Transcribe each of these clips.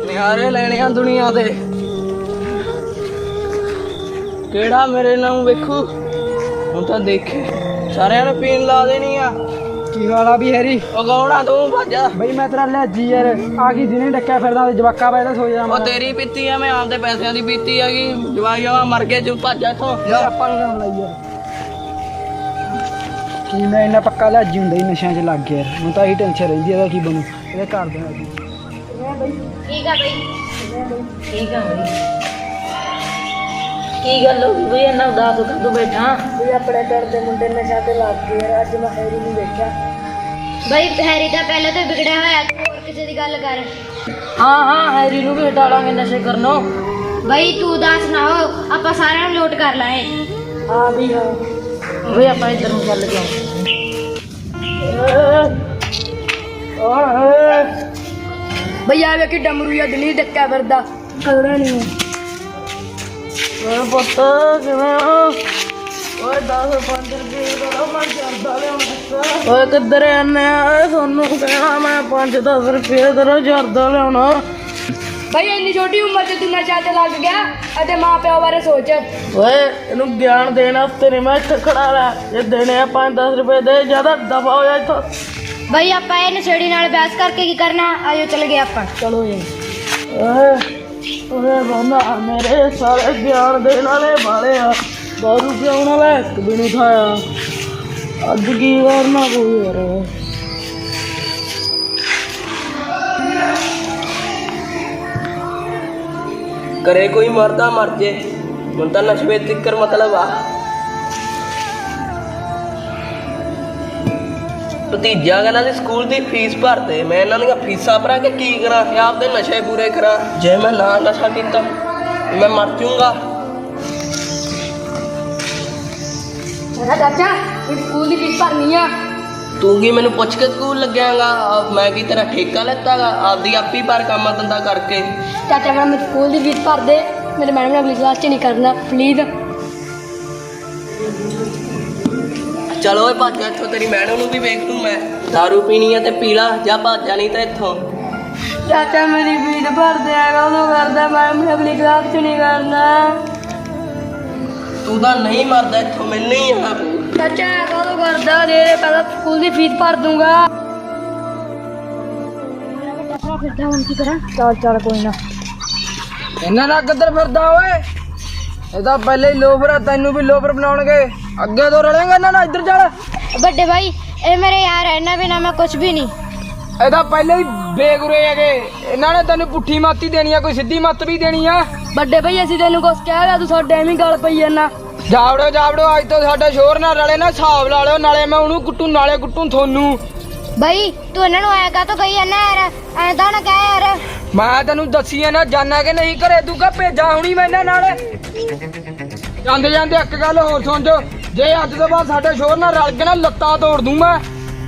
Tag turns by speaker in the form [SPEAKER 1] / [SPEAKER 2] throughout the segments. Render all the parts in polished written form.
[SPEAKER 1] ਨਿਹਾਰੇ ਲੈਣੇ ਆ ਦੁਨੀਆ ਦੇ। ਕਿਹੜਾ ਮੇਰੇ ਨਾਲ ਵੇਖੂ, ਹੁਣ ਤਾਂ ਦੇਖੇ ਸਾਰਿਆਂ ਨੂੰ ਪੀਣ ਲਾ ਦੇਣੀ ਆ।
[SPEAKER 2] ਕੀ ਵਾਲਾ ਵੀ ਹੈਰੀ
[SPEAKER 1] ਉਗਾਉਣਾ ਤੂੰ ਭਾਜਾ
[SPEAKER 2] ਬਈ ਮੈਂ ਤੇਰਾ ਲਿਆਜੀ ਯਾਰ ਆ ਕੀ ਜਿਹਨੇ ਡੱਕਿਆ ਫਿਰਦਾ ਜਵਾਕਾ ਪੈ ਸੋ ਜਾ।
[SPEAKER 1] ਉਹ ਤੇਰੀ ਪੀਤੀ ਆ, ਮੈਂ ਆਪਦੇ ਪੈਸਿਆਂ ਦੀ ਪੀਤੀ ਹੈਗੀ। ਜਵਾਈ ਜਵਾ ਮਰ ਗਏ ਤੂੰ ਭਾਜਾ ਇੱਥੋਂ।
[SPEAKER 2] ਯਾਰ ਆਪਾਂ ਨੂੰ ਨਾ ਲਾਈ ਯਾਰ ਕੀ ਮੈਂ ਇੰਨਾ ਪੱਕਾ ਲਿਆਜੀ ਹੁੰਦਾ ਹੀ ਨਸ਼ਿਆਂ 'ਚ ਲੱਗ ਗਿਆ ਯਾਰ। ਹੁਣ ਤਾਂ ਇਹੀ ਟੈਨਸ਼ਨ ਰਹਿੰਦੀ ਇਹਦਾ ਕੀ ਬਣੂ ਇਹਦੇ ਘਰ ਦੇ ਨਾਲ।
[SPEAKER 3] ਠੀਕ ਆ ਬਈ, ਠੀਕ ਆ ਬਈ। ਕੀ ਗੱਲ ਹੋ ਗਈ ਬਈ, ਇੰਨਾ ਉਦਾਸ ਕਰ ਤੂੰ ਬੈਠਾ?
[SPEAKER 2] ਵੀ ਆਪਣੇ ਪਿੰਡ ਦੇ ਮੁੰਡੇ ਨਸ਼ਿਆਂ ਤੇ ਲੱਗ ਗਏ ਯਾਰ। ਅੱਜ ਮੈਂ ਹੈਰੀ ਨੂੰ ਵੇਖਿਆ।
[SPEAKER 3] ਬਈ ਹੈਰੀ ਤਾਂ ਪਹਿਲਾਂ ਤੋਂ ਵਿਗੜਿਆ ਹੋਇਆ, ਤੂੰ ਹੋਰ ਕਿਸੇ ਦੀ ਗੱਲ ਕਰ।
[SPEAKER 1] ਹਾਂ ਹੈਰੀ ਨੂੰ ਵੀ ਹਟਾ ਲਾਂਗੇ ਨਸ਼ੇ ਕਰਨੋਂ।
[SPEAKER 3] ਬਈ ਤੂੰ ਉਦਾਸ ਨਾ ਹੋ, ਆਪਾਂ ਸਾਰਿਆਂ ਨੂੰ ਲੋਟ ਕਰ ਲਾਂਗੇ।
[SPEAKER 2] ਹਾਂ ਵੀ ਹਾਂ
[SPEAKER 1] ਬਈ ਆਪਾਂ ਇੱਧਰ ਨੂੰ ਚੱਲ ਗਏ।
[SPEAKER 2] ਬਈ ਆ ਵੇਖੀ ਡਮਰੂ ਜਾਂ ਦਿਲੀ ਡੱਕਿਆ ਫਿਰਦਾ ਕਦਰਾ ਨਹੀਂ।
[SPEAKER 1] ਓਏ ਪੁੱਤ ਕਿਵੇਂ ਹੋ? ਓਏ 10-5 ਰੁਪਏ ਦਾ ਮੈਂ ਜਰਦਾ ਲਿਆਉਣਾ। ਓਏ ਕਿੱਧਰ ਆਨੇ ਆ? ਤੁਹਾਨੂੰ ਕਹਿਣਾ ਮੈਂ 5-10 ਰੁਪਏ ਦਾ ਜਰਦਾ ਲਿਆਉਣਾ।
[SPEAKER 2] ਬਈ ਇੰਨੀ ਛੋਟੀ ਉਮਰ 'ਚ ਤੂੰ ਨਸ਼ਾ ਤੇ ਲੱਗ ਗਿਆ ਅਤੇ ਮਾਂ ਪਿਓ ਬਾਰੇ ਸੋਚ।
[SPEAKER 1] ਓਏ ਇਹਨੂੰ ਗਿਆਨ ਦੇਣ ਵਾਸਤੇ ਨਹੀਂ ਮੈਂ ਇੱਥੇ ਖੜਾ ਲਿਆ। ਜੇ ਦੇਣੇ ਆ 5-10 ਰੁਪਏ ਦੇ, ਜ਼ਿਆਦਾ ਦਫਾ ਹੋ ਜਾ ਇੱਥੋਂ।
[SPEAKER 3] ਬਈ ਆਪਾਂ ਇਹ ਨਸ਼ੇੜੀ ਨਾਲ ਬਹਿਸ ਕਰਕੇ ਕੀ ਕਰਨਾ? ਆਜੋ ਚੱਲ ਗਏ ਆਪਾਂ।
[SPEAKER 2] ਚਲੋ ਜੀ
[SPEAKER 1] ਓਏ ਬੰਦਾ ਮੇਰੇ ਸਾਰੇ ਗਿਆਨ ਦੇਣ ਵਾਲੇ ਵਾਲੇ ਆ। ਦਾਰੂ ਪਿਆਉਣ ਵਾਲਾ ਇੱਕ ਵੀ ਨਹੀਂ ਖਾਇਆ। ਅੱਜ ਕੀ ਕਰਨਾ ਕੋਈ ਯਾਰ। ਕਰੇ ਕੋਈ ਮਰਦਾ ਮਰ ਜੇ, ਹੁਣ ਤਾਂ ਨਸ਼ੇ ਤਿੱਕਰ ਮਤਲਬ ਆ। ਭਤੀਜਾ ਕਹਿੰਦਾ ਸੀ ਸਕੂਲ ਦੀ ਫੀਸ ਭਰਦੇ, ਮੈਂ ਇਹਨਾਂ ਦੀਆਂ ਫੀਸਾਂ ਭਰਾ ਕੇ ਕੀ ਕਰਾਂ? ਇਹ ਆਪਦੇ ਨਸ਼ੇ ਪੂਰੇ ਕਰਾਂ। ਜੇ ਮੈਂ ਨਾ ਨਸ਼ਾ ਕੀਤਾ ਮੈਂ ਮਰ ਜਾਊਂਗਾ।
[SPEAKER 2] ਚਾਚਾ ਸਕੂਲ ਦੀ ਫੀਸ ਭਰਨੀ ਆ।
[SPEAKER 1] ਤੂੰ ਕੀ ਮੈਨੂੰ ਪੁੱਛ ਕੇ ਸਕੂਲ ਲੱਗਿਆਗਾ? ਮੈਂ ਕੀ ਤੇਰਾ ਠੇਕਾ ਲੈਤਾਗਾ? ਆਪਦੀ ਆਪੀ ਪਰ ਕੰਮ ਧੰਦਾ ਕਰਕੇ।
[SPEAKER 2] ਚਾਚਾ ਮੈਂ ਸਕੂਲ ਦੀ ਫੀਸ ਭਰ ਦੇ, ਮੇਰੇ ਮੈਡਮ ਨੇ ਅਗਲੀ ਕਲਾਸ 'ਚ ਨਹੀਂ ਕਰਨਾ ਪਲੀਜ਼।
[SPEAKER 1] ਚਲੋ ਓਏ ਭੱਜ ਇੱਥੋਂ, ਤੇਰੀ ਮੈਡਮ ਨੂੰ ਵੀ ਵੇਖ ਲੂੰ ਮੈਂ। ਦਾਰੂ ਪੀਣੀ ਆ ਤੇ ਪੀ ਲਾ, ਜਾਂ ਭੱਜਾ ਨਹੀਂ ਤਾਂ ਇੱਥੋਂ।
[SPEAKER 2] ਚਾਚਾ ਮੇਰੀ ਫੀਸ ਭਰ ਦਿਆਗਾ, ਉਦੋਂ ਕਰਦਾ ਮੈਡਮ ਨੇ ਅਗਲੀ ਕਲਾਸ 'ਚ ਨਹੀਂ ਕਰਨਾ।
[SPEAKER 1] ਤੂੰ ਤਾਂ ਨਹੀਂ ਮਰਦਾ ਇੱਥੋਂ, ਮੈਨੂੰ ਹੀ ਆ।
[SPEAKER 2] ਚਾਚਾ ਕਦੋਂ ਕਰਦਾ? ਦੇ ਪਹਿਲਾਂ ਸਕੂਲ ਦੀ ਫੀਸ ਭਰ ਦੂੰਗਾ। ਫਿਰਦਾ ਹੁਣ ਕੀ ਕਰਾਂ? ਚੱਲ ਕੋਈ ਨਾ।
[SPEAKER 1] ਇਹਨਾਂ ਦਾ ਕਿੱਧਰ ਫਿਰਦਾ ਓਏ? ਇਹ ਤਾਂ ਪਹਿਲੇ ਹੀ ਲੋਫਰ ਆ, ਤੈਨੂੰ ਵੀ ਲੋਫਰ ਬਣਾਉਣਗੇ। ਅੱਗੇ ਤੋਂ ਰਲੇਗਾ ਇਹਨਾਂ ਨਾਲ। ਇੱਧਰ ਚੱਲ।
[SPEAKER 3] ਵੱਡੇ ਭਾਈ ਇਹ ਮੇਰੇ ਯਾਰ ਹੈ, ਇਹਨਾਂ ਬਿਨਾਂ ਮੈਂ ਕੁਝ ਵੀ ਨਹੀਂ।
[SPEAKER 1] ਇਹ ਤਾਂ ਪਹਿਲੇ ਹੀ ਬੇਗੁਰੇ ਹੈਗੇ। ਇਹਨਾਂ ਨੇ ਤੈਨੂੰ ਪੁੱਠੀ ਮੱਤ ਹੀ ਦੇਣੀ ਆ, ਕੋਈ ਸਿੱਧੀ ਮੱਤ ਵੀ ਦੇਣੀ ਆ।
[SPEAKER 2] ਵੱਡੇ ਭਾਈ ਅਸੀਂ ਤੈਨੂੰ ਕੁਛ ਕਹਿ ਲਿਆ, ਤੂੰ ਸਾਡੇ ਐਵੇਂ ਗੱਲ ਪਈ ਜਾਂਦਾ।
[SPEAKER 1] ਜਾਵੜੋ ਅੱਜ ਤੋਂ ਸਾਡੇ ਸ਼ੋਰ ਨਾਲ ਰਲੇ ਨਾ, ਹਿਸਾਬ ਲਾ ਲਿਓ। ਨਾਲੇ ਮੈਂ ਉਹਨੂੰ ਕੁੱਟੂ, ਨਾਲੇ ਕੁੱਟੂ ਤੁਹਾਨੂੰ।
[SPEAKER 3] ਬਈ ਤੂੰ ਇਹਨਾਂ ਨੂੰ ਆਇਆ ਕਾ ਤੋ ਕਹੀ ਜਾਂਦਾ ਯਾਰ? ਐਂ ਤਾਂ ਨਾ ਕਹਿ ਯਾਰ।
[SPEAKER 1] ਮੈਂ ਤੈਨੂੰ ਦੱਸੀ ਆ ਨਾ, ਜਾਣਾ ਕਿ ਨਹੀਂ ਘਰੇ? ਤੂੰ ਕਹ ਭੇਜਾਂ ਹੁਣੀ ਮੈਂ ਇਹਨਾਂ ਨਾਲ। ਜਾਂਦੇ ਜਾਂਦੇ ਇੱਕ ਗੱਲ ਹੋਰ ਸੁਣ ਜੋ, ਜੇ ਅੱਜ ਤੋਂ ਬਾਅਦ ਸਾਡੇ ਸ਼ੋਰ ਨਾਲ ਰਲ ਕੇ ਨਾ ਲੱਤਾਂ ਤੋੜ ਦੂੰ ਮੈਂ।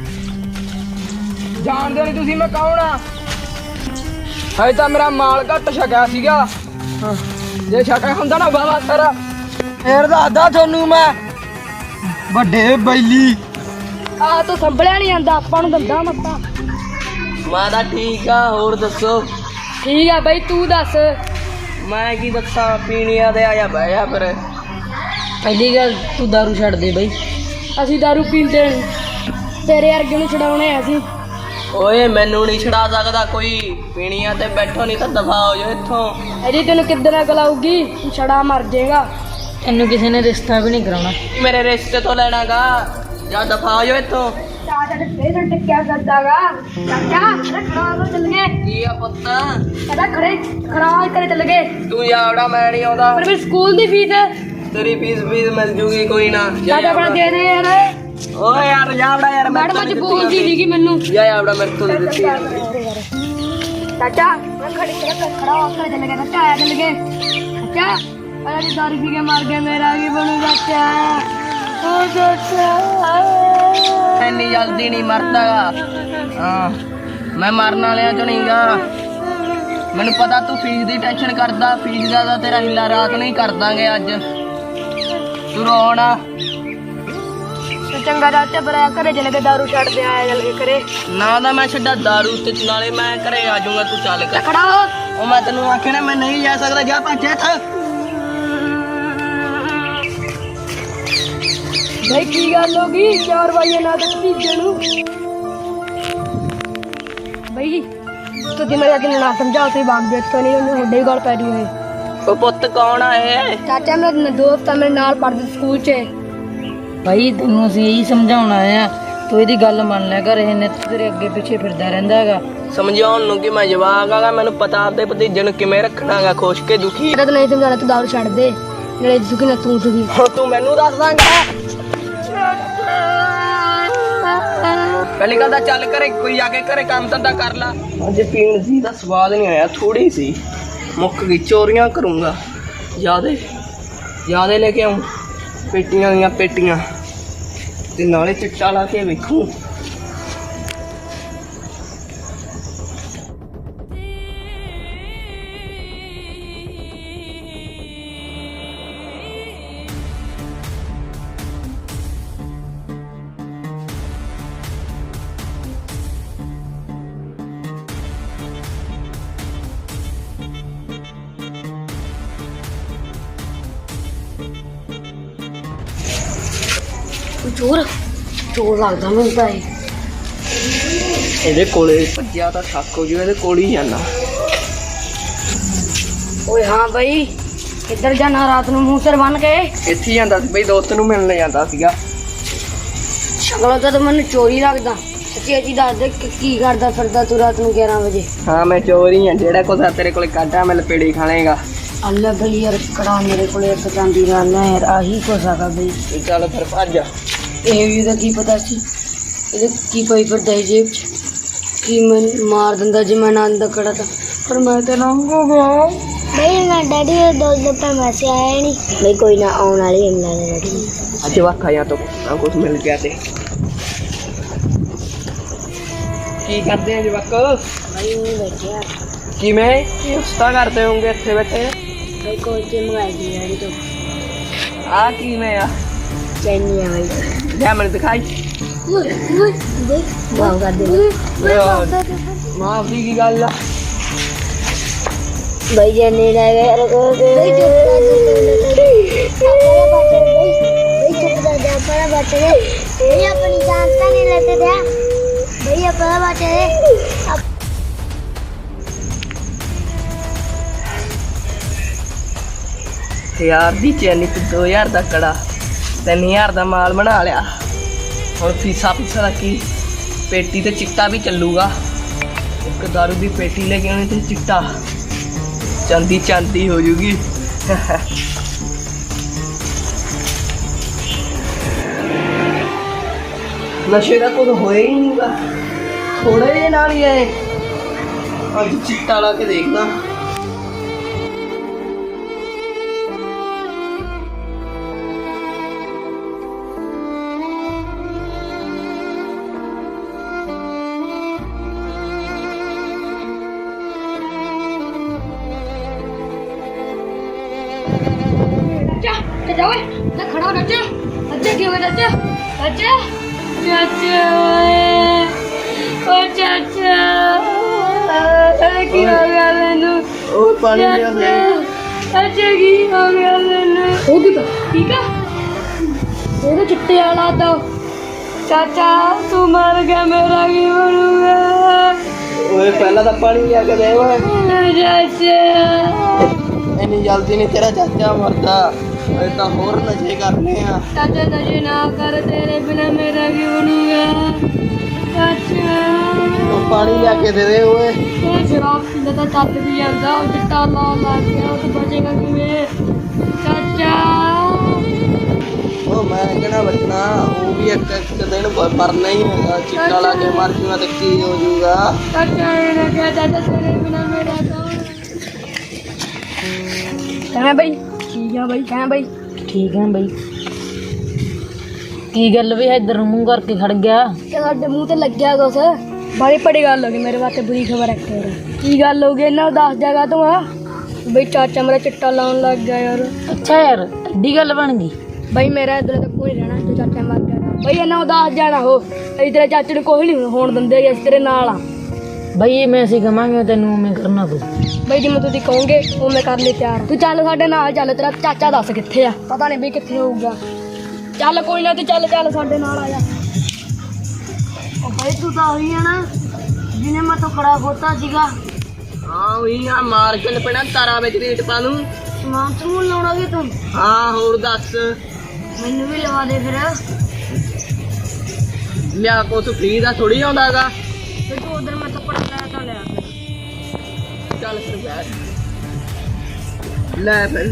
[SPEAKER 1] ਜਾਣਦੇ ਨਹੀਂ ਤੁਸੀਂ ਮੈਂ ਕੌਣ ਆ? ਹਜੇ ਤਾਂ ਮੇਰਾ ਮਾਲ ਘੱਟ ਛਕਿਆ ਸੀਗਾ। ਜੇ ਛਕਿਆ ਹੁੰਦਾ ਨਾ ਬਾਬਾ ਸਾਰਾ, ਫੇਰ ਦੱਸਦਾ ਤੁਹਾਨੂੰ ਮੈਂ। ਵੱਡੇ ਬੈਲੀ
[SPEAKER 2] ਆ ਤੂੰ ਸੰਭਲਿਆ ਨਹੀਂ ਜਾਂਦਾ, ਆਪਾਂ ਨੂੰ ਦੰਦਾ ਮੱਤਾ।
[SPEAKER 1] ਮੈਂ ਤਾਂ ਠੀਕ ਆ, ਹੋਰ ਦੱਸੋ?
[SPEAKER 2] ਠੀਕ ਆ ਬਈ ਤੂੰ ਦੱਸ।
[SPEAKER 1] ਮੈਂ ਕੀ ਦੱਸਾਂ? ਪੀਣੀਆਂ ਤੇ ਆ ਜਾ ਬਹਿ ਜਾ ਫਿਰ। ਪਹਿਲੀ ਗੱਲ ਤੂੰ ਦਾਰੂ ਛੱਡ ਦੇ ਬਈ।
[SPEAKER 2] ਅਸੀਂ ਦਾਰੂ ਪੀਂਦੇ ਨਹੀਂ, ਤੇਰੇ ਵਰਗੇ ਨੂੰ ਛਡਾਉਣੇ ਆ ਅਸੀਂ।
[SPEAKER 1] ਓਏ ਮੈਨੂੰ ਨਹੀਂ ਛਡਾ ਸਕਦਾ ਕੋਈ। ਪੀਣੀਆਂ ਤੇ ਬੈਠੋ, ਨਹੀਂ ਤਾਂ ਦਫਾ ਹੋ ਜਾ ਇੱਥੋਂ।
[SPEAKER 2] ਅਜੀ ਤੈਨੂੰ ਕਿੱਦਾਂ ਅਕਲ ਆਊਗੀ? ਤੂੰ ਛੜਾ ਮਰ ਜਾਏਗਾ।
[SPEAKER 1] ਤੈਨੂੰ ਕਿਸੇ ਨੇ ਰਿਸ਼ਤਾ ਵੀ ਨਹੀਂ ਕਰਾਉਣਾ। ਮੇਰੇ ਰਿਸ਼ਤੇ ਤੋਂ ਲੈਣਾਗਾ, ਜਾਂ ਦਫਾ ਹੋ ਜਾ ਇੱਥੋਂ।
[SPEAKER 2] ਚਾਚਾ ਤੇ ਫੇਰ ਟਿੱਕਿਆ ਕਰਦਾਗਾ। ਚਾਚਾ ਖੜਾ ਹੋ ਚੱਲ ਗਏ।
[SPEAKER 1] ਕੀ ਆ ਪੁੱਤ?
[SPEAKER 2] ਕਹਿੰਦਾ ਖੜਾ ਕਰੇ ਚੱਲ ਗਏ।
[SPEAKER 1] ਤੂੰ ਜਾਵੜਾ, ਮੈਂ ਨਹੀਂ ਆਉਂਦਾ।
[SPEAKER 2] ਪਰ ਫਿਰ ਸਕੂਲ ਦੀ ਫੀਸ
[SPEAKER 1] ਤੇਰੀ ਫੀਸ ਮਿਲ ਜੂਗੀ ਕੋਈ ਨਾ।
[SPEAKER 2] ਚਾਚਾ ਬਣਾ ਦੇ ਦੇ ਯਾਰ।
[SPEAKER 1] ਓਏ ਯਾਰ ਜਾਵੜਾ ਯਾਰ।
[SPEAKER 2] ਮੈਡਮ ਅੱਜ ਬੋਲਦੀ ਸੀਗੀ ਮੈਨੂੰ।
[SPEAKER 1] ਜਾ ਜਾਵੜਾ, ਮੇਰੇ ਤੋਂ ਨਹੀਂ ਦਿੱਤੀ।
[SPEAKER 2] ਚਾਚਾ ਮੈਂ ਖੜਾ ਹੋ ਕੇ ਚੱਲ ਗਿਆ। ਚਾਚਾ ਆਇਆ ਚੱਲ ਗਏ। ਚਾਚਾ ਅਰੇ ਦੀ ਦਾਰੂ ਪੀ ਕੇ ਮਰ ਗਿਆ, ਮੇਰਾ ਕੀ ਬਣੂ ਚਾਚਾ? ਓ ਚਾਚਾ
[SPEAKER 1] ਇੰਨੀ ਜਲਦੀ ਨਹੀਂ ਮਰਦਾਗਾ। ਹਾਂ ਮੈਂ ਮਰਨ ਵਾਲਿਆਂ ਚੋਂ ਨਹੀਂ ਗਾ। ਮੈਨੂੰ ਪਤਾ ਤੂੰ ਫੀਸ ਦੀ ਟੈਨਸ਼ਨ ਕਰਦਾ। ਫੀਸ ਦਾ ਤਾਂ ਤੇਰਾ ਹੀਲਾ ਰਾਤ ਨੂੰ ਹੀ ਕਰ ਦਾਂਗੇ। ਅੱਜ ਤੂੰ ਰੋਣਾ
[SPEAKER 2] ਤੇ ਚੰਗਾ ਚਾਚਾ ਬਰਾ ਘਰੇ ਚਲੇ ਕੇ ਦਾਰੂ ਛੱਡ ਦੇ ਆਇਆ ਜਲ ਕੇ ਕਰੇ
[SPEAKER 1] ਨਾ ਨਾ ਮੈਂ ਛੱਡਾ ਦਾਰੂ ਤੇ ਨਾਲੇ ਮੈਂ ਘਰੇ ਆ ਜਾਊਂਗਾ, ਤੂੰ ਚੱਲ ਕਰ।
[SPEAKER 2] ਖੜਾ ਹੋ।
[SPEAKER 1] ਉਹ ਮੈਂ ਤੈਨੂੰ ਆਖਿਆ ਨਾ ਮੈਂ ਨਹੀਂ ਜਾ ਸਕਦਾ, ਜਾ ਭੱਜ ਇੱਥੇ।
[SPEAKER 2] ਭਾਈ ਕੀ ਗੱਲ ਹੋ ਗਈ 4 ਵਜੇ ਨਾ ਤੱਕ ਭੀਜੇ ਨੂੰ ਭਾਈ ਤੁਸੀਂ ਮੇਰੇ ਅੱਗੇ ਨਾ ਸਮਝਾਓ, ਤੁਸੀਂ ਬਾਗ ਦੇ ਤੋਂ ਨਹੀਂ ਉਹਨੇ ਹੁੰਡੇ ਹੀ ਗੱਲ ਪੈ ਰਹੀ ਹੋਏ।
[SPEAKER 1] ਉਹ ਪੁੱਤ ਕੌਣ ਆ ਇਹ?
[SPEAKER 2] ਚਾਚਾ ਮੇਰਾ ਦੋਸਤ ਆ, ਮੇਰੇ ਨਾਲ ਪੜ੍ਹਦੇ ਸਕੂਲ 'ਚ।
[SPEAKER 4] ਭਾਈ ਤੈਨੂੰ ਅਸੀਂ ਇਹੀ ਸਮਝਾਉਣਾ ਆ, ਤੂੰ ਇਹਦੀ ਗੱਲ ਮੰਨ ਲਿਆ ਕਰ। ਇਹ ਨਿੱਤ ਤੇਰੇ ਅੱਗੇ ਪਿੱਛੇ ਫਿਰਦਾ ਰਹਿੰਦਾ ਹੈਗਾ।
[SPEAKER 1] ਸਮਝਾਉਣ ਨੂੰ ਕਿ ਮੈਂ ਜਵਾਕ ਆਗਾ, ਮੈਨੂੰ ਪਤਾ ਆਪਦੇ ਭਤੀਜੇ ਨੂੰ ਕਿਵੇਂ ਰੱਖਣਾਗਾ, ਖੁਸ਼ ਕੇ ਦੁਖੀ।
[SPEAKER 2] ਮੇਰਾ ਤਾਂ ਨਹੀਂ ਸਮਝਾਣਾ, ਤੂੰ ਦਾਰੂ ਛੱਡ ਦੇ, ਨਾਲੇ ਸੁਖੀ ਨਾ ਤੂੰ ਸੁਖੀ।
[SPEAKER 1] ਹੁਣ ਤੂੰ ਮੈਨੂੰ ਦੱਸ ਦਾਂਗਾ। ਪਹਿਲੀ ਗੱਲ ਤਾਂ ਚੱਲ ਘਰੇ, ਕੋਈ ਆ ਕੇ ਘਰੇ ਕੰਮ ਧੰਦਾ ਕਰ ਲਾ। ਅੱਜ ਪੀਣ ਦੀ ਦਾ ਸਵਾਦ ਨਹੀਂ ਆਇਆ, ਥੋੜੀ ਸੀ ਮੁੱਕ ਗਈ। ਚੋਰੀਆਂ ਕਰੂੰਗਾ, ਜਿਆਦੇ ਲੈ ਕੇ ਆਉਂ, ਪੇਟੀਆਂ ਦੀਆਂ ਪੇਟੀਆਂ, ਤੇ ਨਾਲੇ ਚਿੱਟਾ ਲਾ ਕੇ ਵੇਖੂ।
[SPEAKER 2] ਚੋਰ ਲੱਗਦਾ ਮੈਨੂੰ ਤਾਂ ਇਹ।
[SPEAKER 1] ਇਹਦੇ ਕੋਲੇ ਭੱਜਿਆ ਤਾਂ ਥੱਕ ਹੋ ਜੂ, ਇਹਦੇ ਕੋਲ ਹੀ ਜਾਣਾ।
[SPEAKER 2] ਓਏ ਹਾਂ ਬਈ, ਕਿੱਧਰ ਜਾਣਾ ਰਾਤ ਨੂੰ ਮੂੰਹ ਸਿਰ ਬੰਨ ਕੇ?
[SPEAKER 1] ਇੱਥੇ ਜਾਂਦਾ ਸੀ ਬਈ, ਦੋਸਤ ਨੂੰ ਮਿਲਣ ਜਾਂਦਾ ਸੀਗਾ।
[SPEAKER 2] ਸ਼ਕਲੋਂ ਤਾਂ ਮੈਨੂੰ ਚੋਰੀ ਲੱਗਦਾ। ਸੱਚੀ ਦੱਸ ਦੇ ਕੀ ਕਰਦਾ ਫਿਰਦਾ ਤੂੰ ਰਾਤ ਨੂੰ 11 ਵਜੇ?
[SPEAKER 1] ਹਾਂ ਮੈਂ ਚੋਰ ਹੀ ਆ, ਜਿਹੜਾ ਕੁਛ ਤੇਰੇ ਕੋਲੇ ਕੱਢਾ ਮੈਂ ਲਪੇੜੀ ਖਾ ਲੇਗਾ।
[SPEAKER 2] ਅੱਲਾ ਬਈ ਯਾਰ ਕੜਾ ਮੇਰੇ ਕੋਲੇ ਇੱਕ ਚਾਂਦੀ ਦਾ ਨਾ ਯਾਰ, ਆਹੀ ਕੁਛ ਹੈਗਾ ਬਈ।
[SPEAKER 1] ਚੱਲ ਫਿਰ ਭੱਜ।
[SPEAKER 2] ਇਹ ਵੀ ਤਾਂ ਕੀ ਪਤਾ ਸੀ ਇਹਦੇ ਕੀ ਪਈ ਫਿਰਦਾ ਸੀ ਜੇਬ 'ਚ, ਕੀ ਮੈਨੂੰ ਮਾਰ ਦਿੰਦਾ ਜੇ ਮੈਂ ਨਾ ਅੰਦਰ ਕੜਾ ਤਾਂ। ਪਰ ਮੈਂ ਤਾਂ ਨੰਗ ਹੋ ਗਿਆ ਬਈ। ਮੈਂ ਡੈਡੀ ਦੇ ਦੋਸਤ ਦਾ ਮੈਸੇਜ ਆਇਆ ਨਹੀਂ ਬਈ, ਕੋਈ ਨਾ ਆਉਣ ਵਾਲੀ ਹੈ ਮੇਰੇ ਡੈਡੀ।
[SPEAKER 1] ਅੱਜ ਵਾਖਾ ਜਾਂ ਤੋਂ ਕੁਛ ਮਿਲ ਗਿਆ ਤੇ ਕੀ ਕਰਦੇ ਆ ਜਵਾਕ?
[SPEAKER 2] ਬਈ ਉਹ ਬੈਠਿਆ
[SPEAKER 1] ਕਿਵੇਂ ਉਸਤਾ ਕਰਦੇ ਹੋਗੇ ਇੱਥੇ ਬੈਠੇ?
[SPEAKER 2] ਬਈ ਕੋਈ ਤੇ ਮੰਗਾਈ ਦੀ ਡੈਡੀ ਤੋਂ।
[SPEAKER 1] ਆ ਕਿਵੇਂ ਆ?
[SPEAKER 2] ਚੈਨੀ ਆ ਬਈ।
[SPEAKER 1] ਲੈ ਮੈਨੂੰ ਦਿਖਾਈ।
[SPEAKER 2] ਦੇਖ ਵਾਹ ਕਰ ਦੇ
[SPEAKER 1] ਮਾਂ ਦੀ ਕੀ ਗੱਲ ਆ?
[SPEAKER 2] ਬਈ ਚੈਨੀ ਲੈ ਗਏ ਯਾਰ ਕੋ ਦੇ ਬਈ चुप कर जा अपना बच्चे बई अपनी जान का नहीं लेते थे बई अपना बच्चे
[SPEAKER 1] यार दी चैनी ते 2000 ਦਾ ਕੜਾ 3000 ਦਾ ਮਾਲ ਬਣਾ ਲਿਆ। ਹੁਣ ਫੀਸਾ ਦਾ ਕੀ? ਪੇਟੀ ਤੇ ਚਿੱਟਾ ਵੀ ਚੱਲੂਗਾ। ਇੱਕ ਦਾਰੂ ਦੀ ਪੇਟੀ ਲੈ ਕੇ ਆਉਣੀ ਤੇ ਚਿੱਟਾ, ਚਾਂਦੀ ਹੋ ਜੂਗੀ। ਨਸ਼ੇ ਦਾ ਕੁਝ ਹੋਇਆ ਹੀ ਨਹੀਂਗਾ, ਥੋੜੇ ਜਿਹੇ ਨਾਲ ਹੀ ਆਏ। ਅੱਜ ਚਿੱਟਾ ਲਾ ਕੇ ਦੇਖਦਾ।
[SPEAKER 2] खड़ा चाचा की हो गया चाचा चाचा चाचा ओ चाचा की हो गया मैनू
[SPEAKER 1] ओ पानी लिया दे
[SPEAKER 2] चाचा की हो गया मैनू हो गया ठीक है वो तो चिट्टे वाला तो चाचा तू मर गया मेरा की बनूंगा
[SPEAKER 1] ओए पहला तो पानी लिया के दे ओए
[SPEAKER 2] चाचा
[SPEAKER 1] इतनी जल्दी नहीं तेरा चाचा मरता। तो होर नशे करने आ
[SPEAKER 2] चाचा नशे ना कर तेरे बिना मेरा की बनूंगा चाचा
[SPEAKER 1] तो पानी लिया के दे ओए
[SPEAKER 2] ये शराब पींदा तो चल भी जाता और चिट्टा ला गया तो बचेगा किवें चाचा
[SPEAKER 1] ओ मैं कहना बचना वो भी एक दिन मरना ही होगा। चिट्टा ला के मर जूगा तो की हो जूगा
[SPEAKER 2] चाचा ने क्या चाचा तेरे बिना मेरा कहाँ भाई ठीक है भाई कहाँ भाई
[SPEAKER 4] ठीक है भाई की गल भी इधर मुंह करके खड़ गया
[SPEAKER 2] ਤੁਹਾਡੇ ਮੂੰਹ ਤੇ ਲੱਗਿਆ ਕੁਛ ਬੜੀ ਬੜੀ ਗੱਲ ਹੋ ਗਈ ਮੇਰੇ ਵਾਸਤੇ ਬੁਰੀ ਖਬਰ ਹੈ ਕੀ ਗੱਲ ਹੋ ਗਈ ਇਹਨਾਂ ਦੱਸ ਜਗ੍ਹਾ ਤੋਂ ਆ ਬਈ ਚਾਚਾ ਮੇਰਾ ਚਿੱਟਾ ਲਾਉਣ ਲੱਗ ਗਿਆ ਯਾਰ
[SPEAKER 4] अच्छा यार एडी गल बन गई
[SPEAKER 2] ਬਈ ਮੇਰਾ ਇਧਰ ਤੱਕ ਕੋਈ ਰਹਿਣਾ ਤੇ ਚਾਚਾ ਮਰ ਗਿਆ ਬਈ ਇਹਨਾਂ ਉਦਾਸ ਜਾਣਾ ਹੋ, ਅਸੀਂ ਤੇਰੇ ਚਾਚੇ ਨੂੰ ਕੁਛ ਨਹੀਂ ਹੋਣ ਦਿੰਦੇ, ਅਸੀਂ ਤੇਰੇ ਨਾਲ ਆ।
[SPEAKER 4] ਬਈ ਮੈਂ ਅਸੀਂ ਕਵਾਂਗੇ ਤੈਨੂੰ ਉਵੇਂ ਕਰਨਾ ਪਊ।
[SPEAKER 2] ਬਈ ਜਿਵੇਂ ਤੁਸੀਂ ਕਹੋਗੇ ਉਵੇਂ ਕਰ ਲਈ ਤਿਆਰ। ਤੂੰ ਚੱਲ ਸਾਡੇ ਨਾਲ ਚੱਲ, ਤੇਰਾ ਚਾਚਾ ਦੱਸ ਕਿੱਥੇ ਆ, ਪਤਾ ਨਹੀਂ ਬਈ ਕਿੱਥੇ ਹੋਊਗਾ। ਚੱਲ ਕੋਈ ਨਾ, ਤੂੰ ਚੱਲ ਸਾਡੇ ਨਾਲ ਆ ਜਾ। ਉਹ ਬਈ ਤੂੰ ਤਾਂ ਉਹੀ ਆ ਨਾ ਜਿਹਨੇ ਮੈਂ ਤੋਂ ਖੜਾ ਖੋਤਾ ਸੀਗਾ।
[SPEAKER 1] ਹਾਂ ਉਹੀ ਆ, ਮਾਰ ਕੇ ਲਪਣਾ ਤਾਰਾ ਵਿੱਚ ਰੇਟ ਪਾ ਲੂੰ।
[SPEAKER 2] ਸਮਾਨ ਸਮੂਨ ਲਾਉਣਾ ਵੀ ਤੂੰ?
[SPEAKER 1] ਹਾਂ ਹੋਰ ਦੱਸ।
[SPEAKER 2] ਮੈਨੂੰ ਵੀ ਲਵਾ ਦੇ ਫਿਰ।
[SPEAKER 1] ਲਿਆ ਕੁਛ ਫ੍ਰੀ ਦਾ ਥੋੜੀ ਆਉਂਦਾ ਹੈਗਾ।
[SPEAKER 2] ਫਿਰ ਤੂੰ ਉਧਰ ਮੈਂ ਤੋਂ ਪੜਾ ਲਿਆ ਤਾਂ ਲਿਆ ਫਿਰ।
[SPEAKER 1] ਚੱਲ ਫਿਰ ਬੈਠ ਲੈ ਫਿਰ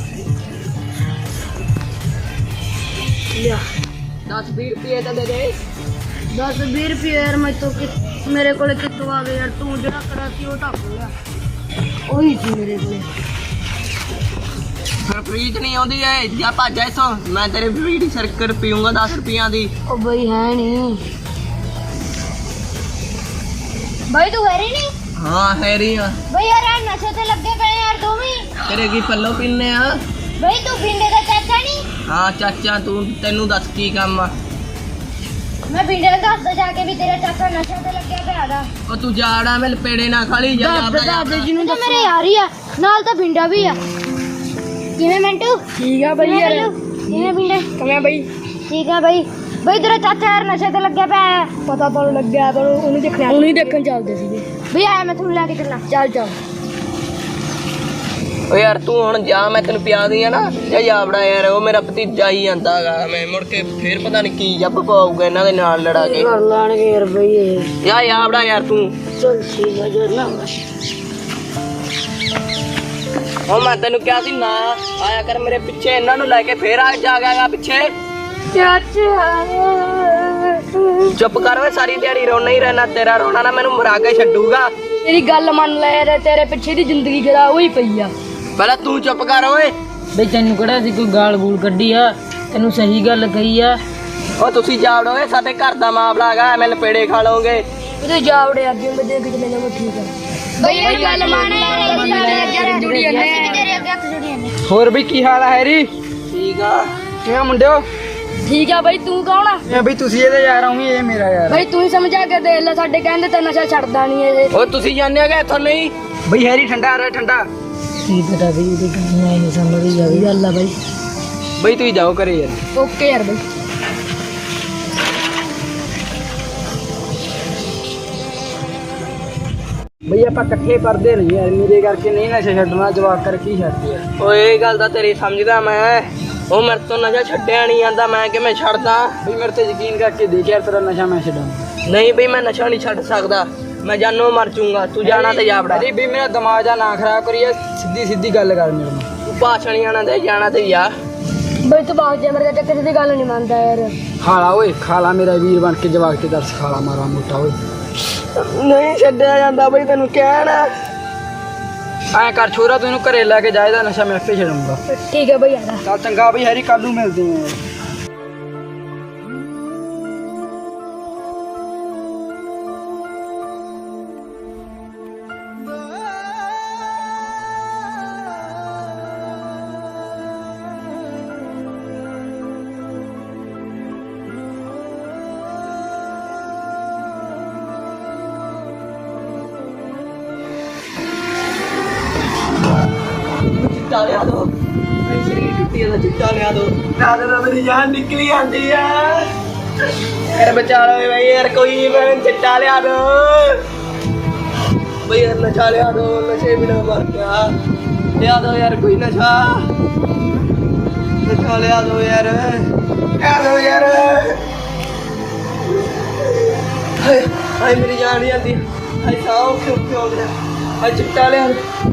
[SPEAKER 2] ਲਿਆ
[SPEAKER 1] 10-20 ਰੁਪਏ ਤਾਂ ਦੇ ਦੇ।
[SPEAKER 2] 10-20 ਰੁਪਏ ਯਾਰ ਮੈਂ ਤੋਂ ਮੇਰੇ ਕੋਲੇ ਕਿੱਥੋਂ ਆ ਗਏ ਯਾਰ? ਤੂੰ ਜਿਹੜਾ ਕੜਾ ਸੀ ਉਹ ਢੱਕ ਲਿਆ, ਉਹੀ ਸੀ ਮੇਰੇ ਕੋਲੇ।
[SPEAKER 1] ਫਿਰ ਫ੍ਰੀ ਚ ਨਹੀਂ ਆਉਂਦੀ ਐ, ਜਾਂ ਭੱਜ ਜਾ ਇੱਥੋਂ। ਮੈਂ ਤੇਰੇ ਬੀੜੀ ਸਰਕਰ ਪੀਊਂਗਾ 10 ਰੁਪਈਆਂ ਦੀ।
[SPEAKER 2] ਉਹ ਬਈ ਹੈ ਨਹੀਂ।
[SPEAKER 3] ਬਈ ਤੂੰ ਹੈਰੀ ਨਹੀਂ?
[SPEAKER 1] ਹਾਂ ਹੈਰੀ ਆ।
[SPEAKER 3] ਬਈ ਯਾਰ ਇਹ ਨਸ਼ੇ ਤੇ ਲੱਗੇ ਪਏ ਯਾਰ ਤੂੰ ਵੀ।
[SPEAKER 1] ਤੇਰੇ ਕੀ ਪੱਲੋ ਪੀਨੇ ਆ?
[SPEAKER 3] ਬਈ ਤੂੰ ਬਿੰਦੇ ਦਾ ਚਾਚਾ ਨਹੀਂ?
[SPEAKER 1] ਹਾਂ ਚਾਚਾ, ਤੈਨੂੰ ਦੱਸ ਕੀ ਕੰਮ ਆ?
[SPEAKER 3] ਮੈਂ ਬਿੰਦੇ ਨੂੰ ਦੱਸਦਾ ਜਾ ਕੇ ਵੀ ਤੇਰਾ ਚਾਚਾ ਨਸ਼ੇ ਤੇ ਲੱਗਿਆ ਪਿਆ ਦਾ।
[SPEAKER 1] ਉਹ ਤੂੰ ਜਾੜਾ ਮੈਂ ਲਪੇੜੇ ਨਾ ਖਾਲੀ ਜਾ
[SPEAKER 2] ਦਾਦੇ ਜੀ ਨੂੰ
[SPEAKER 3] ਤਾਂ ਮੇਰੇ ਯਾਰ ਹੀ ਆ, ਨਾਲ ਤਾਂ ਬਿੰਦਾ ਵੀ ਆ। ਕਿਵੇਂ ਮਿੰਟੂ?
[SPEAKER 2] ਠੀਕ ਆ ਬਈ
[SPEAKER 3] ਕਿਵੇਂ
[SPEAKER 2] ਯਾਰ।
[SPEAKER 3] ਬੱਲੂ? ਕਿਵੇਂ ਬਿੰਦੇ?
[SPEAKER 2] ਕਿਵੇਂ ਬਈ?
[SPEAKER 3] ਠੀਕ ਆ ਬਈ। ਬਈ ਤੇਰਾ ਚਾਚਾ ਯਾਰ ਨਸ਼ੇ ਤੇ ਲੱਗਿਆ ਪਿਆ ਹੈ।
[SPEAKER 2] ਪਤਾ ਤੁਹਾਨੂੰ ਲੱਗਿਆ ਤਾਂ ਉਹਨੂੰ ਦੇਖਣ ਚੱਲਦੇ ਸੀਗੇ।
[SPEAKER 3] ਬਈ ਆਇਆ ਮੈਂ ਤੁਹਾਨੂੰ ਲੈ ਕੇ ਚੱਲਾਂ।
[SPEAKER 2] ਚੱਲ
[SPEAKER 1] ਓ ਯਾਰ ਤੂੰ ਹੁਣ ਜਾ, ਮੈਂ ਤੈਨੂੰ ਪਿਆ ਦੀ ਆ ਨਾ। ਜਾ ਜਾਵੜਾ ਯਾਰ, ਉਹ ਮੇਰਾ ਭਤੀਜਾ ਹੀ ਆਂਦਾ ਹੈਗਾ। ਮੈਂ ਮੁੜ ਕੇ ਫੇਰ ਪਤਾ ਨਹੀਂ ਕੀ ਜੱਬ ਪਾਊਗਾ ਇਹਨਾਂ ਦੇ ਨਾਲ ਲੜਾ ਕੇ।
[SPEAKER 2] ਕਰ ਲਾਣਗੇ ਯਾਰ ਬਈ ਇਹ।
[SPEAKER 1] ਜਾ ਜਾਵੜਾ ਯਾਰ ਤੂੰ।
[SPEAKER 2] ਚੱਲ ਠੀਕ ਆ ਜਰ ਨਾ।
[SPEAKER 1] ਹੁਣ ਮੈਂ ਤੈਨੂੰ ਕਿਹਾ ਸੀ ਨਾ ਆਇਆ ਕਰ ਮੇਰੇ ਪਿੱਛੇ, ਇਹਨਾਂ ਨੂੰ ਲੈ ਕੇ ਫੇਰ ਆ ਜਾਗਾ ਪਿੱਛੇ।
[SPEAKER 2] ਚਾਚਾ
[SPEAKER 1] ਚੁੱਪ ਕਰ ਓਏ, ਸਾਰੀ ਦਿਹਾੜੀ ਰੋਣਾ ਹੀ ਰਹਿਣਾ। ਤੇਰਾ ਰੋਣਾ ਨਾ ਮੈਨੂੰ ਮਰਾ ਕੇ ਛੱਡੂਗਾ।
[SPEAKER 2] ਤੇਰੀ ਗੱਲ ਮੰਨ ਲੈ ਯਾਰ, ਤੇਰੇ ਪਿੱਛੇ ਦੀ ਜ਼ਿੰਦਗੀ ਖਰਾਬ ਹੋਈ ਪਈ ਆ।
[SPEAKER 1] ਪਹਿਲਾਂ ਤੂੰ ਚੁੱਪ ਕਰ ਓਏ।
[SPEAKER 4] ਬਈ ਤੈਨੂੰ ਕਿਹੜਾ ਸੀ ਕੋਈ ਗਾਲ ਗੂਲ ਕੱਢੀ ਆ? ਤੈਨੂੰ ਸਹੀ ਗੱਲ ਕਹੀ ਆ।
[SPEAKER 1] ਓ ਤੁਸੀਂ ਜਾਵੜੋ ਓਏ, ਸਾਡੇ ਘਰ ਦਾ ਮਾਮਲਾ ਹੈਗਾ, ਐਵੇਂ ਲਪੇੜੇ ਖਾ ਲਓਗੇ।
[SPEAKER 2] ਉਹਦੇ ਜਾਵੜੇ ਅੱਗੇ ਮੈਂ ਦੇਖ ਕੇ ਮੈਨੂੰ ਠੀਕ ਆ।
[SPEAKER 3] ਬਈ ਇਹ ਗੱਲ ਮੰਨ ਯਾਰ, ਤੇਰੇ ਅੱਗੇ ਹੱਥ ਜੁੜੀ ਜਾਂਦੇ।
[SPEAKER 5] ਹੋਰ ਬਈ ਕੀ ਹਾਲ ਆ ਹੈਰੀ?
[SPEAKER 1] ਠੀਕ ਆ।
[SPEAKER 5] ਕਿਵੇਂ ਮੁੰਡਿਓ?
[SPEAKER 2] ਠੀਕ ਆ ਬਈ, ਤੂੰ ਕੌਣ ਆ?
[SPEAKER 5] ਮੈਂ ਬਈ ਤੁਸੀਂ ਇਹਦਾ ਯਾਰ ਆਉਂਗੀ, ਇਹ ਮੇਰਾ ਯਾਰ।
[SPEAKER 2] ਬਈ ਤੂੰ ਹੀ ਸਮਝਾ ਕੇ ਦੇਖ ਲੈ, ਸਾਡੇ ਕਹਿੰਦੇ ਤੇ ਨਸ਼ਾ ਛੱਡਦਾ ਨਹੀਂ ਇਹ।
[SPEAKER 1] ਓ ਤੁਸੀਂ ਜਾਣਦੇ ਹੋਗੇ ਇੱਥੋਂ ਨਹੀਂ?
[SPEAKER 5] ਬਈ ਹੈਰੀ ਠੰਡਾ ਆ ਰਿਹਾ ਠੰਡਾ।
[SPEAKER 4] ਕੀ ਪਤਾ ਬਈ ਉਹਦੀ ਗੱਲ ਮੈਂ ਨਹੀਂ ਸਮਝਦੀ ਜਾਵੇ।
[SPEAKER 2] ਗੱਲ ਆ ਬਈ।
[SPEAKER 5] ਬਈ ਤੁਸੀਂ ਜਾਓ ਘਰੇ ਯਾਰ।
[SPEAKER 2] ਓਕੇ ਯਾਰ ਬਈ।
[SPEAKER 5] ਬਈ ਆਪਾਂ ਇਕੱਠੇ ਪੜਦੇ ਨਹੀਂ ਯਾਰ, ਮੇਰੇ ਕਰਕੇ ਨਹੀਂ ਨਸ਼ਾ ਛੱਡਣਾ, ਜਵਾਕ ਕਰ ਕੀ ਛੱਡਦੇ ਯਾਰ।
[SPEAKER 1] ਓਏ ਇਹ ਗੱਲ ਤਾਂ ਤੇਰੀ ਸਮਝਦਾ ਮੈਂ। ਉਹ ਮੇਰੇ ਤੋਂ ਨਸ਼ਾ ਛੱਡਿਆ ਨਹੀਂ ਜਾਂਦਾ, ਮੈਂ ਕਿਵੇਂ ਛੱਡਦਾ?
[SPEAKER 5] ਬਈ ਮੇਰੇ ਤੇ ਯਕੀਨ ਕਰਕੇ ਦੇਖ ਯਾਰ, ਤੇਰਾ ਨਸ਼ਾ ਮੈਂ ਛੱਡਾਂ।
[SPEAKER 1] ਨਹੀਂ ਬਈ ਮੈਂ ਨਸ਼ਾ ਨਹੀਂ ਛੱਡ ਸਕਦਾ, ਮੈਂ ਜਾਨੋਂ ਮਰ ਜਾਊਂਗਾ। ਤੂੰ ਜਾਣਾ ਤੇ ਜਾਵੜਾ।
[SPEAKER 5] ਅਰੇ ਬਈ ਮੇਰਾ ਦਿਮਾਗ ਜਾ ਨਾ ਖਰਾਬ ਕਰੀ ਯਾਰ, ਸਿੱਧੀ ਗੱਲ ਕਰ ਮੇਰੇ ਨਾਲ।
[SPEAKER 1] ਤੂੰ ਭਾਸ਼ਣ ਆਣਾ ਤੇ ਜਾਣਾ ਤੇ ਜਾ।
[SPEAKER 2] ਬਈ ਤੂੰ ਬਾਗ ਜਾ, ਮੇਰੇ ਚਾਚਾ ਕਿਸੇ ਦੀ ਗੱਲ ਨਹੀਂ ਮੰਨਦਾ ਯਾਰ।
[SPEAKER 5] ਖਾਲਾ ਓਏ, ਖਾਲਾ ਮੇਰਾ ਵੀਰ ਬਣ ਕੇ, ਜਵਾਕ ਤੇ ਦਰਸ ਖਾਲਾ ਮਾਰਾ ਮੋਟਾ ਓਏ।
[SPEAKER 1] ਨਹੀਂ ਛੱਡਿਆ ਜਾਂਦਾ ਬਈ, ਤੈਨੂੰ ਕਹਿਣਾ।
[SPEAKER 5] ਐਂ ਕਰ ਛੋਰਾ, ਤੂੰ ਇਹਨੂੰ ਘਰੇ ਲੈ ਕੇ ਜਾਇਦਾ, ਨਸ਼ਾ ਮੈਂ ਆਪੇ ਛੱਡੂੰਗਾ।
[SPEAKER 2] ਠੀਕ ਹੈ ਬਈ ਆ।
[SPEAKER 5] ਚੱਲ ਚੰਗਾ ਬਈ ਹੈਰੀ, ਕੱਲ ਨੂੰ ਮਿਲਦੇ ਆਂ।
[SPEAKER 1] ਚਿੱਟਾ ਲਿਆ ਦੋ, ਮੇਰੀ ਸਰੀਰ ਟੁੱਟੀ ਦਾ ਚਿੱਟਾ ਲਿਆ ਦੋ। ਨਾ ਮੇਰੀ ਜਾਨ ਨਿਕਲੀ ਜਾਂਦੀ ਆ ਯਾਰ, ਬਚਾ ਲਓ ਬਈ ਯਾਰ, ਕੋਈ ਮੈਂ ਚਿੱਟਾ ਲਿਆ ਦੋ ਬਈ ਯਾਰ, ਨਸ਼ਾ ਲਿਆ ਦੋ, ਨਸ਼ੇ ਬਿਨਾ ਮਰ ਗਿਆ। ਲਿਆ ਦੋ ਯਾਰ ਕੋਈ ਨਸ਼ਾ, ਨਸ਼ਾ ਲਿਆ ਦੋ ਯਾਰ, ਲਿਆ ਦੋ ਯਾਰ। ਹਾਏ ਮੇਰੀ ਜਾਨ ਨਹੀਂ ਆਉਂਦੀ, ਹਾਏ ਸਾਹ ਕਿਉਂ ਹੋ ਗਿਆ, ਹਾਏ ਚਿੱਟਾ ਲਿਆ ਦੋ।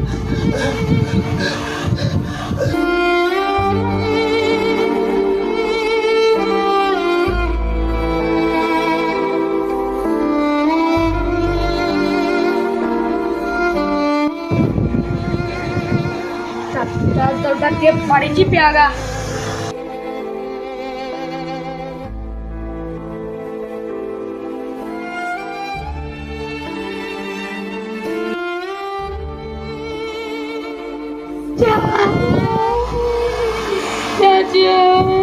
[SPEAKER 2] ਚੱਲ ਡੱਕੇ ਪਾਣੀ ਚ ਪਿਆਗਾ। ਚਾਚਾ